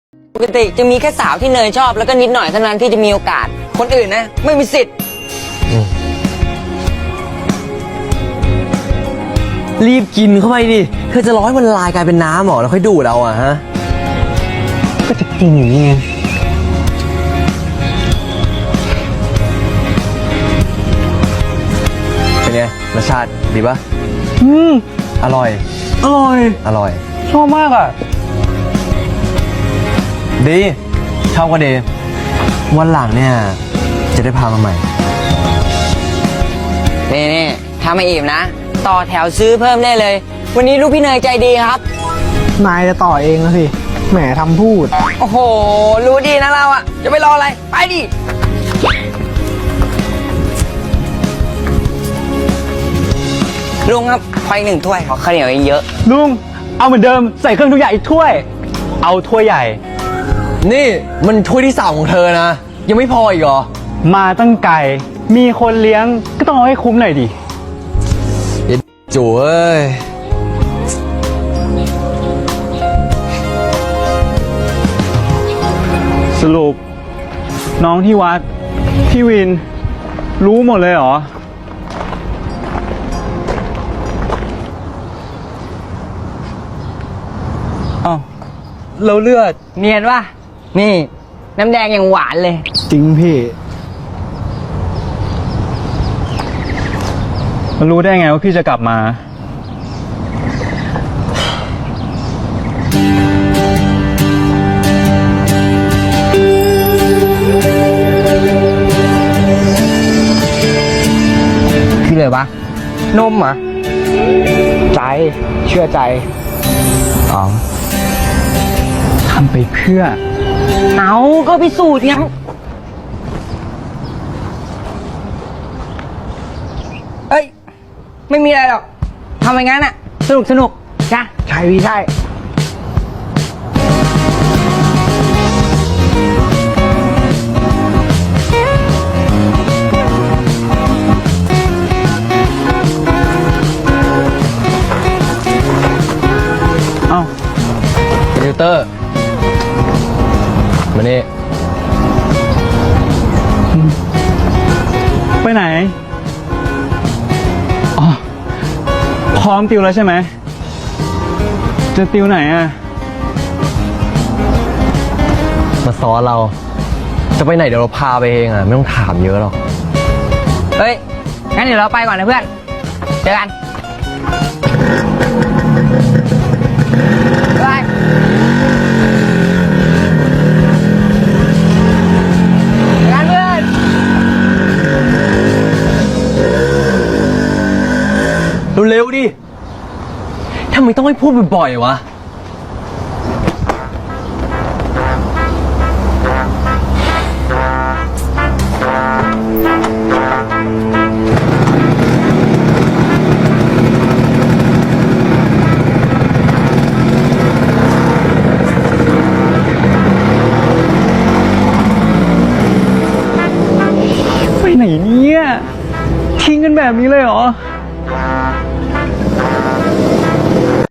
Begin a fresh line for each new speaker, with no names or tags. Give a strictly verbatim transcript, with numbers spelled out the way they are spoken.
ปกติจะมีแค่สาวที่เนยชอบแล้วก็นิดหน่อยเท่านั้นที่จะมีโอกาสคนอื่นนะไม่มีสิทธิ์
รีบกินเข้าไปดิเธอจะร้อยมันละลายกลายเป็นน้ำหรอแล้วค่อยดูดเอาอะฮะก็จะกินอยู่นี่ไงเป็นไงรสชาติดีปะอืมอร่อยอร่อยอร่อยชอบมากอ่ะดีชอบก็ดีวันหลังเนี่ยจะได้พามาใหม่
นี่นี่ถ้าไม่อิ่มนะต่อแถวซื้อเพิ่มได้เลยวันนี้ลูกพี่เนยใจดีครับ
นายจะต่อเองนะสิแหมทำพูด
โอ้โหรู้ดีนะเราอะจะไปรออะไรไปดิลุงครับขออีกหนึ่งถ้วยขอข้าวเหนียวเยอะ
ลุงเอาเหมือนเดิมใส่เครื่องทุกอย่างอีกถ้วยเอาถ้วยใหญ่
นี่มันถ้วยที่สามของเธอนะยังไม่พออีกเหรอ
มาตั้งไก่มีคนเลี้ยงก็ต้องเอาให้คุ้มหน่อยดิ
จูเอ้ย
สรุปน้องที่วัดพี่วินรู้หมดเลยเหรออ้าวเราเลือด
เนียนวะนี่น้ำแดงยังหวานเลย
จริงพี่มันรู้ได้ไงว่าพี่จะกลับมา
คืออะไรวะนมเหรอ
ใจเชื่อใจอ๋อทำไปเพื่อ
เอาก็พิสูจน์ไงเอ้ยไม่มีอะไรหรอกทำอย่างนั้นอะสนุกสนุกจ้ะ
ใช่พี่ใช่เอ้า
คอมพิวเตอร์มานี่
ไปไหนอ๋อพร้อมติวแล้วใช่ไหมจะติวไหนอ่ะ
มาซ้อนเราจะไปไหนเดี๋ยวเราพาไปเองอ่ะไม่ต้องถามเยอะหรอก
เฮ้ยงั้นเดี๋ยวเราไปก่อนนะเพื่อนเจอกันไป
เร็วๆดิทำไมต้องให้พูดบ่อยๆวะ
ไปไหนเนี่ยทิ้งกันแบบนี้เลยเหรอ